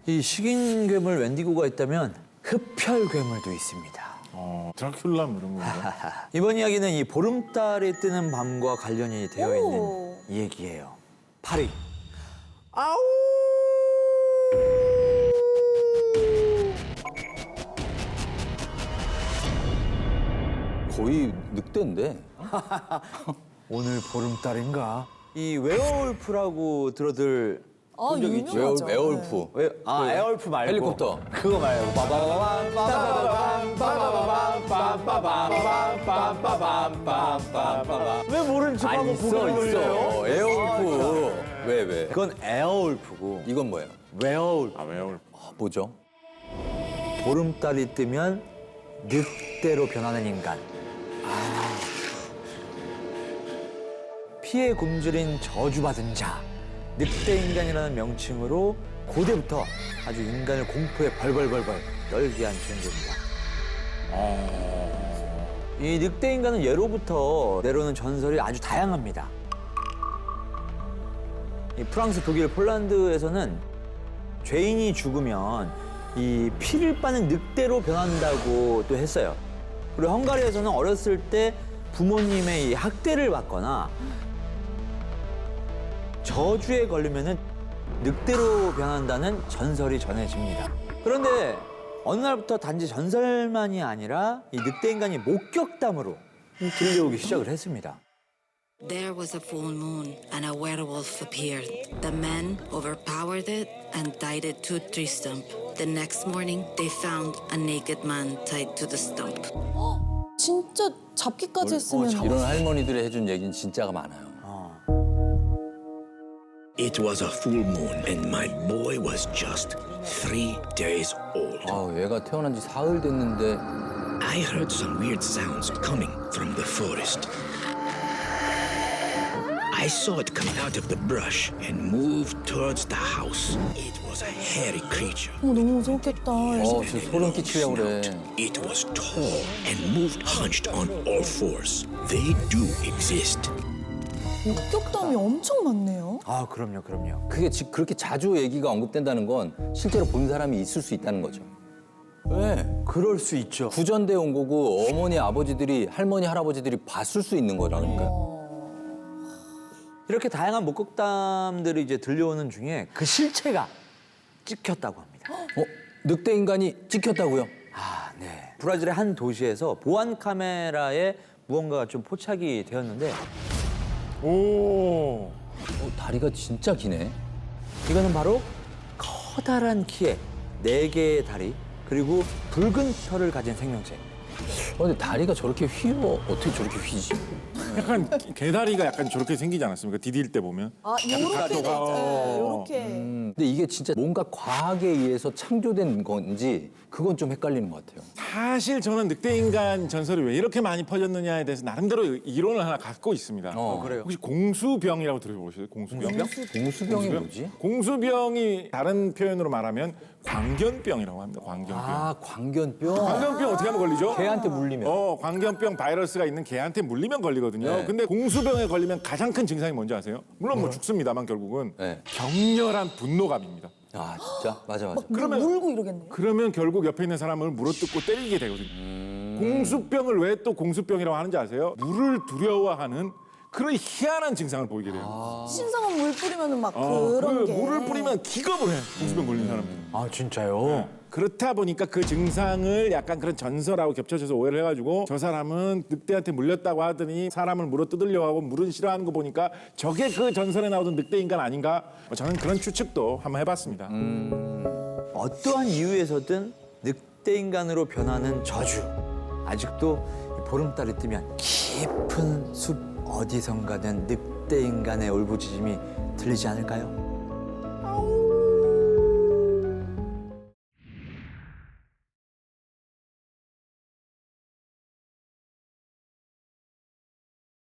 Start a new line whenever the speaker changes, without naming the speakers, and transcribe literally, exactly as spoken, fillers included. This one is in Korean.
이 식인 괴물 웬디고가 있다면 흡혈 괴물도 있습니다.
어, 드라큘라 뭐 이런 건가?
이번 이야기는 이 보름달이 뜨는 밤과 관련이 되어
오.
있는 이 얘기예요. 파리. 아우!
거의 늑대인데.
오늘 보름달인가? 이 웨어울프라고 들어들
아,
본 적 있죠?
유명하죠.
웨어, 웨어울프.
왜? 아, 에어울프 말고
헬리콥터.
그거 말고 빠바바밤 빠바바밤 빠바바밤 빠바바밤 빠바바밤 빠바바밤 왜 모르는
아,
척하고
있어,
고개를 돌려요?
있어. 에어울프. 왜, 왜?
그건 에어울프고
이건 뭐예요?
웨어울프.
아, 왜요?
아, 뭐죠?
보름달이 뜨면 늑대로 변하는 인간. 아. 피해 굶주린 저주받은 자. 늑대 인간이라는 명칭으로 고대부터 아주 인간을 공포에 벌벌벌벌 떨게 한 존재입니다. 이 늑대 인간은 예로부터 내려오는 전설이 아주 다양합니다. 이 프랑스, 독일, 폴란드에서는 죄인이 죽으면 이 피를 빠는 늑대로 변한다고 또 했어요. 그리고 헝가리에서는 어렸을 때 부모님의 이 학대를 받거나 저주에 걸리면은 늑대로 변한다는 전설이 전해집니다. 그런데 어느 날부터 단지 전설만이 아니라 이 늑대 인간이 목격담으로 들려오기 시작을 했습니다.
There was a full moon, and a werewolf appeared. The men overpowered it and tied it to a tree stump. The next morning, they found a naked man tied to the stump.
진짜 잡기까지 했으면
이런 할머니들이 해준 얘기는 진짜가 많아요.
It was a full moon, and my boy was just three days old.
아, 얘가 태어난 지 사흘 됐는데
I heard some weird sounds coming from the forest. I saw it come out of the brush and move towards the house. It was a hairy creature.
어, 너무 무섭겠다.
어, 진짜 소름 끼치려고 그래.
It was tall and moved hunched on all fours. They do exist.
목격담이 엄청 많네요.
아, 그럼요, 그럼요.
그게 지- 그렇게 자주 얘기가 언급된다는 건 실제로 본 사람이 있을 수 있다는 거죠. 왜?
그럴 수 있죠.
구전돼 온 거고 어머니, 아버지들이, 할머니, 할아버지들이 봤을 수 있는 거라니까.
이렇게 다양한 목격담들이 이제 들려오는 중에 그 실체가 찍혔다고 합니다.
어? 늑대 인간이 찍혔다고요?
아, 네. 브라질의 한 도시에서 보안 카메라에 무언가가 좀 포착이 되었는데
오.
어, 다리가 진짜 기네.
이거는 바로 커다란 키에 네 개의 다리 그리고 붉은 털을 가진 생명체.
어, 근데 다리가 저렇게 휘어 어떻게 저렇게 휘지?
약간 개다리가 약간 저렇게 생기지 않았습니까? 디딜 때 보면.
아, 요렇게 돼 있죠. 네, 요렇게.
음, 근데 이게 진짜 뭔가 과학에 의해서 창조된 건지 그건 좀 헷갈리는 것 같아요.
사실 저는 늑대 인간 전설이 왜 이렇게 많이 퍼졌느냐에 대해서 나름대로 이론을 하나 갖고 있습니다.
어,
그래요?
혹시 공수병이라고 들어보셨어요? 공수병?
공수병이 뭐지?
공수병이 다른 표현으로 말하면 광견병이라고 합니다. 광견병.
아, 광견병.
광견병 어떻게 하면 걸리죠?
개한테 물리면.
어, 광견병 바이러스가 있는 개한테 물리면 걸리거든요.
네.
근데 공수병에 걸리면 가장 큰 증상이 뭔지 아세요? 물론 뭐 죽습니다만 결국은
네.
격렬한 분노감입니다.
아, 진짜? 맞아, 맞아.
그러면-
물고 이러겠네.
그러면 결국 옆에 있는 사람을 물어뜯고 때리게 되거든요. 공수병을 왜 또 공수병이라고 하는지 아세요? 물을 두려워하는 그런 희한한 증상을 보이게 돼요.
신성한 물 뿌리면은 막
어,
그런
그
게.
물을 뿌리면 기겁을 해. 공수병 걸린 사람은.
아, 진짜요?
그렇다 보니까 그 증상을 약간 그런 전설하고 겹쳐져서 오해를 해가지고 저 사람은 늑대한테 물렸다고 하더니 사람을 물어뜯으려고 하고 물은 싫어하는 거 보니까 저게 그 전설에 나오던 늑대 인간 아닌가? 저는 그런 추측도 한번 해봤습니다.
어떠한 이유에서든 늑대 인간으로 변하는 저주. 아직도 이 보름달이 뜨면 깊은 숲 어디선가는 늑대 인간의 울부짖음이 들리지 않을까요?